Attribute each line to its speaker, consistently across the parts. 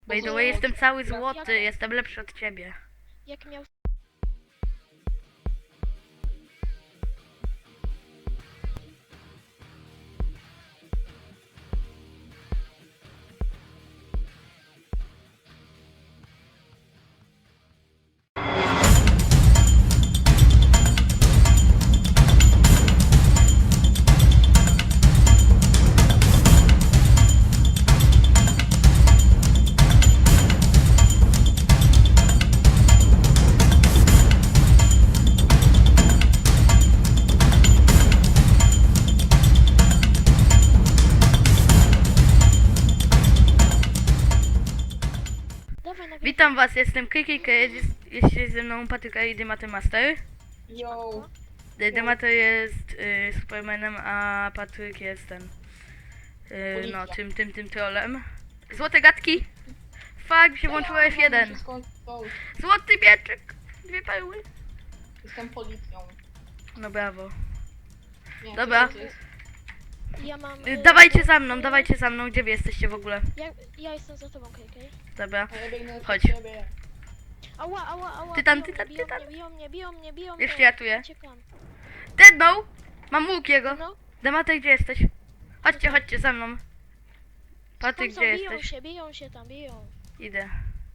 Speaker 1: By the way, jestem cały złoty, jestem lepszy od ciebie.
Speaker 2: Jak miał... Dawaj na
Speaker 1: Witam was, jestem Kikik, jest ze mną Patryka i Dymaty Master.
Speaker 3: Yo,
Speaker 1: Dymaty jest Supermanem, a Patryk jest ten... no,
Speaker 3: Policja.
Speaker 1: tym trolem. Złote gadki! Fuck, mi się włączyło F1. Złoty mieczyk! 2 perły.
Speaker 3: Jestem policją.
Speaker 1: No brawo.
Speaker 3: Nie,
Speaker 1: Dobra.
Speaker 3: to jest-
Speaker 2: Ja mam...
Speaker 1: Dawajcie za mną, gdzie wy jesteście w ogóle?
Speaker 2: Ja jestem za tobą, KK.
Speaker 1: Dobra.
Speaker 3: A ja biegnę
Speaker 1: Chodź.
Speaker 3: przed siebie.
Speaker 2: Ała.
Speaker 1: Ty tam.
Speaker 2: Biją mnie.
Speaker 1: Jeszcze ja tu je.
Speaker 2: Uciekam.
Speaker 1: Deadbow! Mam łuk jego.
Speaker 2: No,
Speaker 1: Dymaty, gdzie jesteś? Chodźcie za mną. Patryk,
Speaker 2: tam
Speaker 1: gdzie
Speaker 2: są,
Speaker 1: jesteś?
Speaker 2: biją się tam.
Speaker 1: Idę.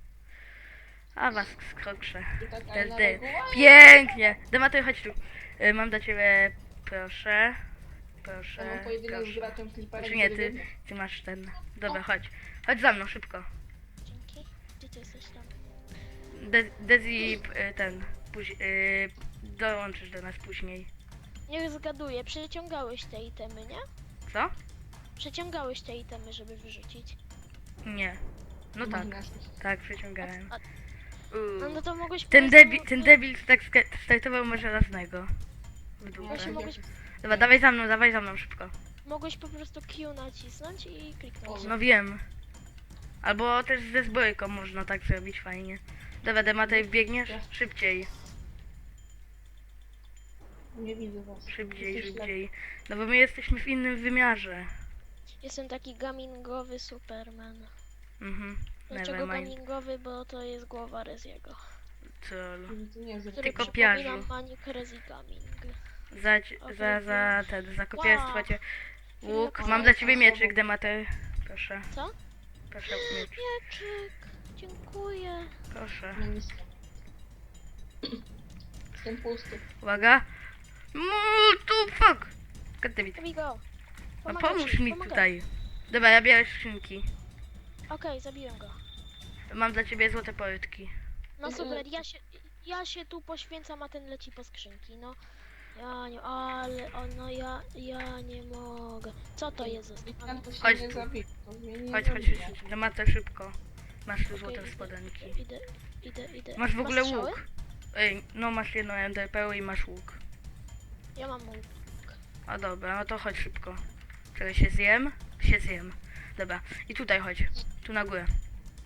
Speaker 1: A was skrokrze.
Speaker 3: I tak, ale
Speaker 1: Ten
Speaker 3: na
Speaker 1: ty.
Speaker 3: rogu.
Speaker 1: Pięknie! Dematy, chodź tu. Mam dla ciebie, proszę.
Speaker 3: Ja mam pojedynek z
Speaker 1: Proszę.
Speaker 3: graczem Clipperem.
Speaker 1: Czy nie,
Speaker 3: który
Speaker 1: ty,
Speaker 3: biegnie.
Speaker 1: ty masz ten. Dobra, chodź. Chodź za mną, szybko.
Speaker 2: Dzięki. Gdzie ty jesteś tam?
Speaker 1: Dezi, ten, dołączysz do nas później.
Speaker 2: Niech zgaduję, przeciągałeś te itemy, nie?
Speaker 1: Co?
Speaker 2: Przeciągałeś te itemy, żeby wyrzucić.
Speaker 1: Nie. No tak, tak, przeciągałem.
Speaker 2: No to mogłeś...
Speaker 1: Ten
Speaker 2: po prostu-
Speaker 1: debil, ten debil tak startował może żelaznego. W dupę.
Speaker 2: Właśnie mogłeś,
Speaker 1: Dobra, dawaj za mną szybko.
Speaker 2: mogłeś po prostu Q nacisnąć i kliknąć.
Speaker 1: No wiem. Albo też ze zbrojką można tak zrobić fajnie. Dobra, Dematej, biegniesz? Szybciej,
Speaker 3: Nie widzę was.
Speaker 1: szybciej.
Speaker 3: Jesteś
Speaker 1: No bo my jesteśmy w innym wymiarze.
Speaker 2: Jestem taki gamingowy Superman.
Speaker 1: Mhm.
Speaker 2: Dlaczego
Speaker 1: Nevermind.
Speaker 2: gamingowy? Bo to jest głowa Reziego.
Speaker 1: Troll.
Speaker 3: To nie jest
Speaker 2: Który
Speaker 1: Ty
Speaker 2: przypomina
Speaker 1: kopiarzu.
Speaker 2: Manic Rezi Gaming.
Speaker 1: Za kopiarstwo cię. Łuk. Mam dla ciebie mieczyk, Dematej. Proszę.
Speaker 2: Co?
Speaker 1: Proszę, miecz.
Speaker 2: Mieczyk! Dziękuję.
Speaker 1: Proszę.
Speaker 3: Nie nic. Jestem pusty.
Speaker 1: Uwaga. Tu fuck! Goddammit.
Speaker 2: Zabij go!
Speaker 1: No
Speaker 2: Pomagaj
Speaker 1: pomóż
Speaker 2: ci,
Speaker 1: mi
Speaker 2: pomagaj.
Speaker 1: tutaj. Dobra, ja biorę skrzynki.
Speaker 2: Okej, zabiłem go.
Speaker 1: Mam dla ciebie złote porytki.
Speaker 2: No super, ja się tu poświęcam, a ten leci po skrzynki, no. Ja nie, ale, no ja nie mogę. Co to jest za
Speaker 3: I
Speaker 2: stan?
Speaker 3: ten to się
Speaker 1: Chodź
Speaker 3: nie
Speaker 1: tu.
Speaker 3: zabije. To mnie nie
Speaker 1: Chodź,
Speaker 3: zabije.
Speaker 1: Demata szybko. Masz tu złote
Speaker 2: Okej,
Speaker 1: spodenki.
Speaker 2: Idę.
Speaker 1: Masz w ogóle
Speaker 2: strzały?
Speaker 1: łuk. Ej, no masz jedną NDP i masz łuk.
Speaker 2: Ja mam łuk.
Speaker 1: A dobra, no to chodź szybko. Czekaj, się zjem? Się zjem. Dobra, i tutaj chodź. Tu na górę.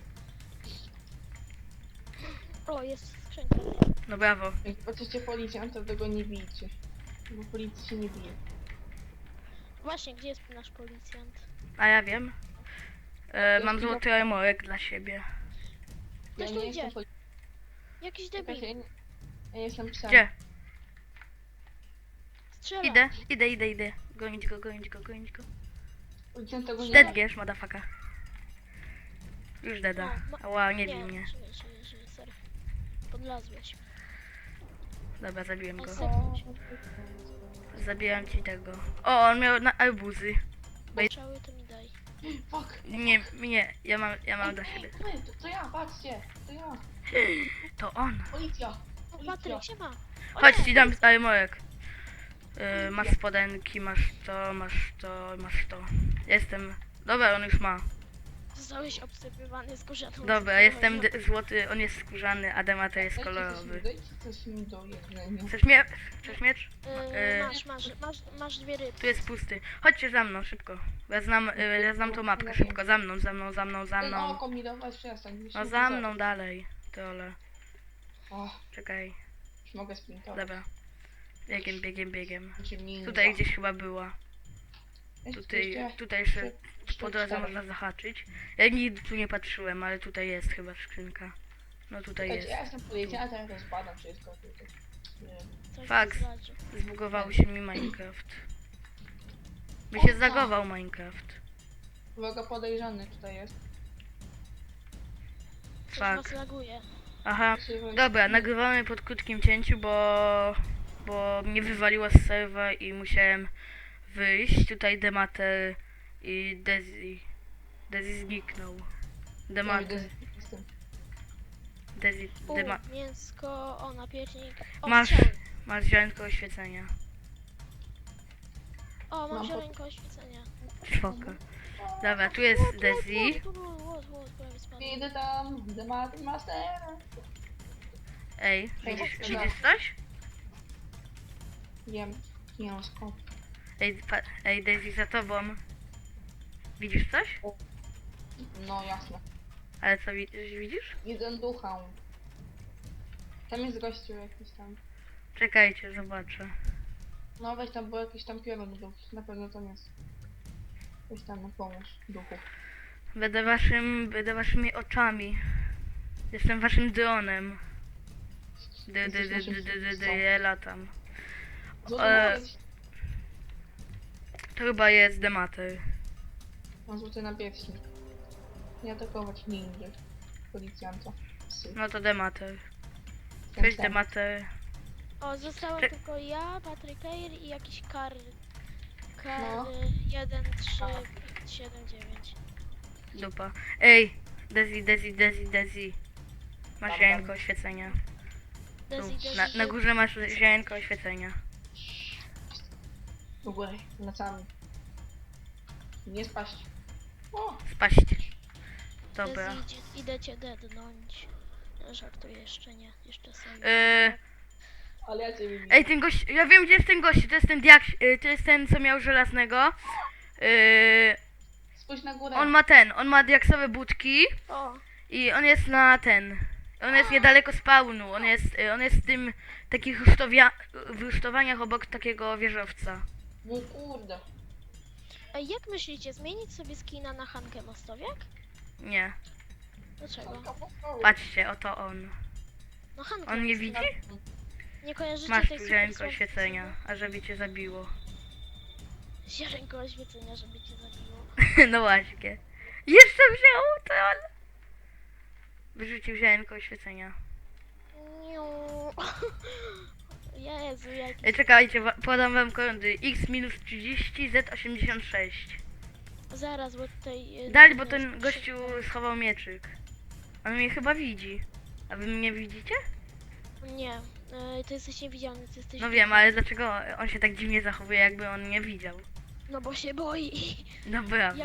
Speaker 2: O, jest skrzynka.
Speaker 1: No brawo.
Speaker 3: Jak patrzycie policjanta, to go nie bijcie. Bo policji się nie bije.
Speaker 2: Właśnie, gdzie jest nasz policjant?
Speaker 1: A ja wiem. Mam złoty armorek dla siebie.
Speaker 3: Ja
Speaker 2: Ktoś tu
Speaker 3: nie
Speaker 2: idzie.
Speaker 3: jestem policją.
Speaker 2: Jakiś
Speaker 3: Ja
Speaker 2: debil.
Speaker 3: ja jestem psem.
Speaker 1: Gdzie?
Speaker 2: Strzela.
Speaker 1: Idę. Gonić go.
Speaker 3: Policjant tego nie
Speaker 1: Dead
Speaker 3: ma.
Speaker 1: gierz, madafaka. Już deda.
Speaker 2: No,
Speaker 1: Ała, nie bij mnie.
Speaker 2: Żyję, sorry. Podlazłeś.
Speaker 1: Dobra, zabiłem go.
Speaker 2: Seknąć.
Speaker 1: Zabijam ci tego. O, on miał na arbuzy.
Speaker 2: Strzały to mi daj.
Speaker 3: Fuck.
Speaker 1: Nie, ja mam dla siebie.
Speaker 3: To ja, patrzcie. To ja.
Speaker 1: To on.
Speaker 3: Policja.
Speaker 2: O,
Speaker 3: Policja.
Speaker 2: Patryk, siema. O
Speaker 1: Chodź,
Speaker 2: nie,
Speaker 1: ci dam armorek. Masz spodenki, masz to. Jestem. Dobra, on już ma.
Speaker 2: Zostałeś obsypywany skórzaną.
Speaker 1: Dobra, jestem złoty, on jest skórzany, a Demata jest kolorowy.
Speaker 3: Dajcie coś mi do jedzenia.
Speaker 1: Chcesz miecz?
Speaker 2: Masz 2 ryby.
Speaker 1: Tu jest pusty. Chodźcie za mną, szybko. Ja znam tą mapkę, szybko. Za mną.
Speaker 3: Ten oko mi dawać przestań.
Speaker 1: No za mną dalej. Trole.
Speaker 3: O,
Speaker 1: Czekaj.
Speaker 3: już mogę sprintować.
Speaker 1: Dobra. Biegiem.
Speaker 3: Znaczy,
Speaker 1: Tutaj gdzieś chyba była. Tutaj jeszcze po drodze można zahaczyć. Ja nigdy tu nie patrzyłem, ale tutaj jest chyba skrzynka. No tutaj jest.
Speaker 3: Ja jestem policjantem, a teraz badam wszystko tutaj. Nie.
Speaker 2: Coś
Speaker 1: Fakt.
Speaker 2: mi zradzi.
Speaker 1: Zbugował się mi Minecraft. By
Speaker 3: O,
Speaker 1: się
Speaker 3: tak.
Speaker 1: zagował Minecraft.
Speaker 3: Uwaga, podejrzany tutaj jest.
Speaker 2: Coś
Speaker 1: Fakt.
Speaker 2: was laguje.
Speaker 1: Aha.
Speaker 3: Krzywo-
Speaker 1: Dobra, nagrywamy pod krótkim cięciu, bo mnie wywaliło z serwa i musiałem wyjść. Tutaj Demater i Dezi. Dezi zniknął. Demater.
Speaker 3: Jestem.
Speaker 1: Dezi.
Speaker 2: Mięsko, o napiecznik. O,
Speaker 1: Masz.
Speaker 2: strzały.
Speaker 1: Masz ziarnko oświecenia.
Speaker 2: O, mam
Speaker 3: Mam
Speaker 2: ziarenko oświecenia.
Speaker 1: Spoko. Dobra, tu jest Dezi.
Speaker 2: Prawie spadłem.
Speaker 3: Idę tam, Dematy Master.
Speaker 1: Ej, widzisz coś?
Speaker 3: Wiem, nie mam skąd.
Speaker 1: Ej, Dezi za tobą. Widzisz coś?
Speaker 3: No jasne.
Speaker 1: Ale co widzisz?
Speaker 3: Widzę ducha. Tam jest gościu jakiś tam.
Speaker 1: Czekajcie, zobaczę.
Speaker 3: No weź tam, bo jakiś tam piorun był. Na pewno tam jest. Weź tam na pomóż duchu.
Speaker 1: Będę waszymi oczami. Jestem waszym dronem.
Speaker 3: Jesteś naszym przywódcą.
Speaker 1: Ja latam.
Speaker 3: Złoty
Speaker 1: To chyba jest Demater.
Speaker 3: Mam złoty napierśnik. Nie atakować ninja. Policjanta. Psy.
Speaker 1: No to Demater.
Speaker 3: Ten
Speaker 1: Cześć
Speaker 3: sam.
Speaker 1: Demater.
Speaker 2: O, zostałem
Speaker 1: Cze-
Speaker 2: tylko ja, Patryk Eir i jakiś kar. Kar
Speaker 3: No.
Speaker 2: 1, 3, 5, 7, 9.
Speaker 1: Dupa. Ej, Dezi. Masz
Speaker 3: Tam,
Speaker 1: ziarenko
Speaker 3: tam.
Speaker 1: oświecenia.
Speaker 2: Dezi,
Speaker 1: Tu,
Speaker 2: Dezi,
Speaker 1: na górze masz ziarenko oświecenia.
Speaker 3: Do góry, lecamy. Nie spaść. O!
Speaker 1: Spaść. Dobra.
Speaker 2: Dezi, idę cię dednąć. Żartuję, jeszcze nie. Jeszcze sobie.
Speaker 3: Ale ja cię widzę.
Speaker 1: Ej, ten gość, ja wiem gdzie jest ten gość, to jest ten to jest ten co miał żelaznego.
Speaker 3: Spójrz na górę.
Speaker 1: On ma diaksowe budki
Speaker 2: O,
Speaker 1: i on jest on jest niedaleko spawnu, on jest w tym takich w rusztowaniach obok takiego wieżowca.
Speaker 3: No kurde.
Speaker 2: ej, jak myślicie, zmienić sobie skina na Hankę Mostowiak?
Speaker 1: Nie,
Speaker 2: Dlaczego?
Speaker 1: patrzcie, oto on.
Speaker 2: No Hankę
Speaker 1: On nie
Speaker 2: Mostowiak.
Speaker 1: widzi?
Speaker 2: Nie kojarzycie
Speaker 1: Masz
Speaker 2: tej
Speaker 1: tu
Speaker 2: super
Speaker 1: ziarenko
Speaker 2: słabej
Speaker 1: oświecenia, a żeby cię zabiło.
Speaker 2: osoby? Ziarenko oświecenia, żeby cię zabiło.
Speaker 1: No właśnie. Jeszcze wziął troll! Wyrzucił ziarenko oświecenia.
Speaker 2: Niu. Jezu, jaki...
Speaker 1: Ej, czekajcie, podam wam korondy. X-30, Z86.
Speaker 2: Zaraz, bo tutaj...
Speaker 1: Dali, bo ten gościu schował mieczyk. On mnie chyba widzi. A wy mnie widzicie?
Speaker 2: Nie, to jesteś niewidzialny, ty jesteś...
Speaker 1: No wiem, ale dlaczego on się tak dziwnie zachowuje, jakby on mnie widział?
Speaker 2: No bo się boi.
Speaker 1: No brawo.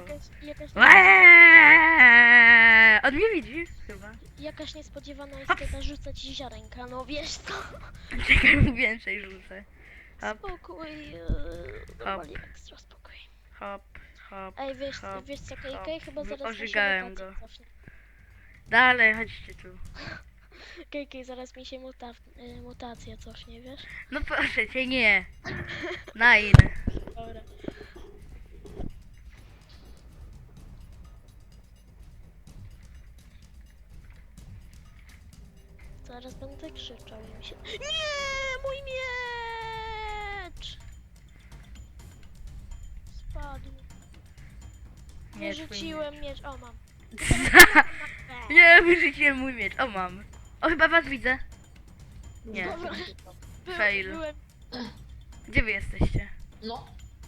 Speaker 1: On mnie widzi, chyba.
Speaker 2: Jakaś niespodziewana
Speaker 1: Hops.
Speaker 2: istota rzuca ci ziarenka, no wiesz co?
Speaker 1: Czekaj, mu więcej rzucę. Hop,
Speaker 2: Spokój, normalnie ekstra spokój.
Speaker 1: hop, hop.
Speaker 2: Ej, wiesz,
Speaker 1: hop,
Speaker 2: wiesz co,
Speaker 1: hop.
Speaker 2: KK chyba zaraz
Speaker 1: Ożygałem
Speaker 2: mi się
Speaker 1: go.
Speaker 2: mutację cofnie.
Speaker 1: Dalej, chodźcie tu.
Speaker 2: KK, zaraz mi się mutacja cofnie, wiesz?
Speaker 1: No proszę cię, nie. Nine.
Speaker 2: Dobra. Zaraz będę krzyczał i mi się... Nie! Mój miecz! Spadł.
Speaker 1: Nie, twój
Speaker 2: Wyrzuciłem miecz. O, mam.
Speaker 1: Nie, wyrzuciłem mój miecz. O, mam. O, chyba was widzę. Nie.
Speaker 2: Dobra.
Speaker 1: Fail.
Speaker 2: Byłem...
Speaker 1: Gdzie wy jesteście?
Speaker 3: No.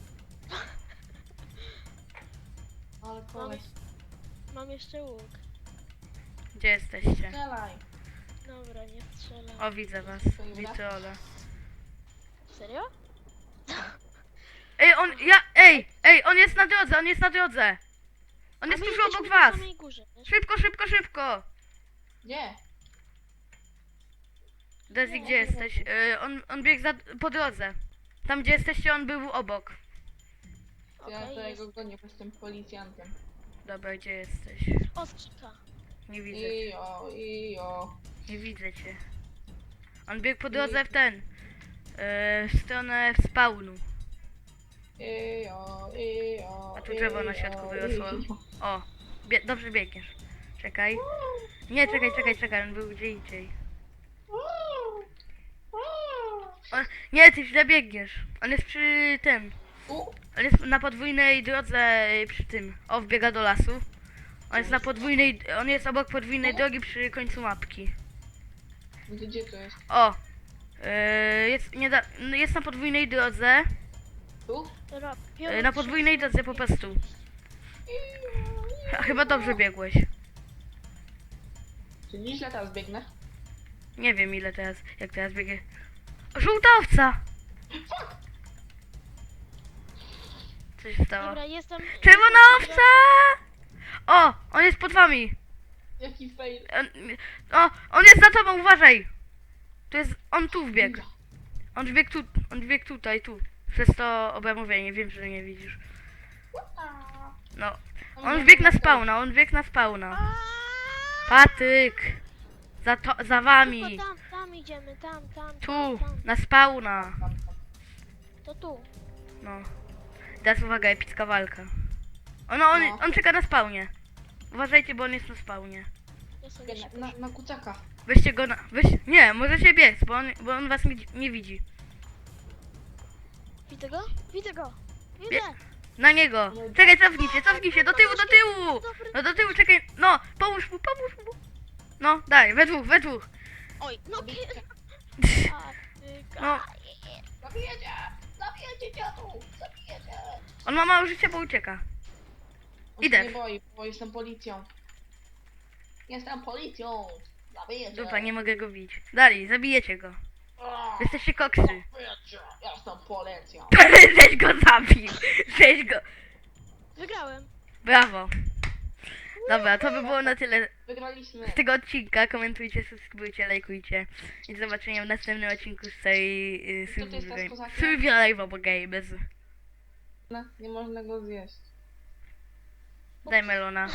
Speaker 3: Ale koleś.
Speaker 2: Mam jeszcze łuk.
Speaker 1: Gdzie jesteście?
Speaker 3: Strzelaj.
Speaker 2: Dobra, nie strzelam.
Speaker 1: O, widzę was. Witrole.
Speaker 2: Serio?
Speaker 1: Ej, on jest na drodze, on jest na drodze. On jest
Speaker 2: A my
Speaker 1: tuż
Speaker 2: jesteśmy
Speaker 1: obok
Speaker 2: na
Speaker 1: was.
Speaker 2: samej górze, wiesz?
Speaker 1: Szybko.
Speaker 3: Gdzie?
Speaker 1: Dezi, gdzie jesteś? On biegł po drodze. Tam, gdzie jesteście, on był obok.
Speaker 3: Ja
Speaker 2: Okej,
Speaker 3: tego
Speaker 2: jest.
Speaker 3: gonię, bo jestem policjantem.
Speaker 1: Dobra, gdzie jesteś?
Speaker 2: O, skrzynka.
Speaker 1: Nie widzę cię.
Speaker 3: Ijo.
Speaker 1: Nie widzę cię. On biegł po drodze w w stronę spawnu. A tu drzewo na środku wyrosło. O, dobrze biegniesz. Czekaj. Nie, czekaj, on był gdzie indziej. Nie, ty źle biegniesz. On jest przy tym. On jest na podwójnej drodze przy tym. O, wbiega do lasu. On jest obok podwójnej drogi przy końcu mapki.
Speaker 3: Gdzie to jest?
Speaker 1: O! Jest na podwójnej drodze.
Speaker 3: Tu?
Speaker 1: Na podwójnej drodze po prostu. Chyba dobrze biegłeś.
Speaker 3: Czy nieźle teraz biegnę?
Speaker 1: Nie wiem ile teraz, jak teraz biegę. Żółta owca! Co się stało?
Speaker 2: Dobra, jestem...
Speaker 1: Czerwona owca! O! On jest pod wami!
Speaker 3: Jaki fail.
Speaker 1: On jest za tobą, uważaj! On tu wbiegł. On wbiegł tutaj, tu. Przez to obramowienie, wiem, że nie widzisz. No. On wbiegł na spawna, Patyk! Za wami!
Speaker 2: Tylko tam idziemy, tam.
Speaker 1: Tu,
Speaker 2: tam.
Speaker 1: na spawna.
Speaker 2: To tu.
Speaker 1: No. Teraz uwaga, epicka walka. On czeka na spawnie. Uważajcie, bo on jest na spawnie.
Speaker 2: Ja sobie się
Speaker 3: Na kucaka.
Speaker 1: Weźcie go nie, możecie biec, bo on was nie widzi.
Speaker 2: Widzę go? Widzę go!
Speaker 1: Bie-
Speaker 2: Widzę!
Speaker 1: Na niego! Czekaj, cofnij się, do tyłu!
Speaker 2: Dobry.
Speaker 1: No do tyłu, czekaj, no, pomóż mu! No, daj, we dwóch.
Speaker 2: Oj, no
Speaker 1: No,
Speaker 3: Zabijecie dziadu! Zabijecie!
Speaker 1: on ma mało życia, bo ucieka.
Speaker 3: On
Speaker 1: Idę.
Speaker 3: się nie boi, bo jestem policją. Jestem policją! Zabijecie!
Speaker 1: Dupa, nie mogę go bić. Dalej, zabijecie go. Jesteście koksy.
Speaker 3: Zabijecie! Jestem policją!
Speaker 1: Żeś go zabił! Żeś go...
Speaker 2: Wygrałem.
Speaker 1: Brawo. Dobra, to by było na tyle
Speaker 3: Wygraliśmy!
Speaker 1: z tego odcinka. Komentujcie, subskrybujcie, lajkujcie. I do zobaczenia w następnym odcinku z tej
Speaker 3: Kto to jest ta z kozakiem?
Speaker 1: Survival Games.
Speaker 3: No, nie można go zjeść.
Speaker 1: Daj melona.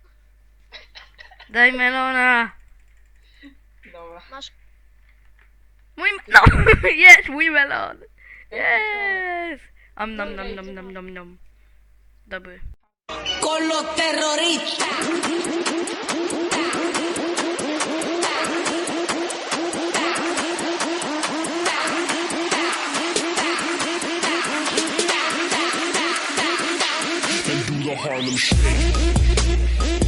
Speaker 1: Daj melona.
Speaker 3: Dobra.
Speaker 2: Masz...
Speaker 1: No, jest mój melon. Jest. Nom. Dobry.
Speaker 4: Con los terroristas.
Speaker 5: And do the Harlem Shake.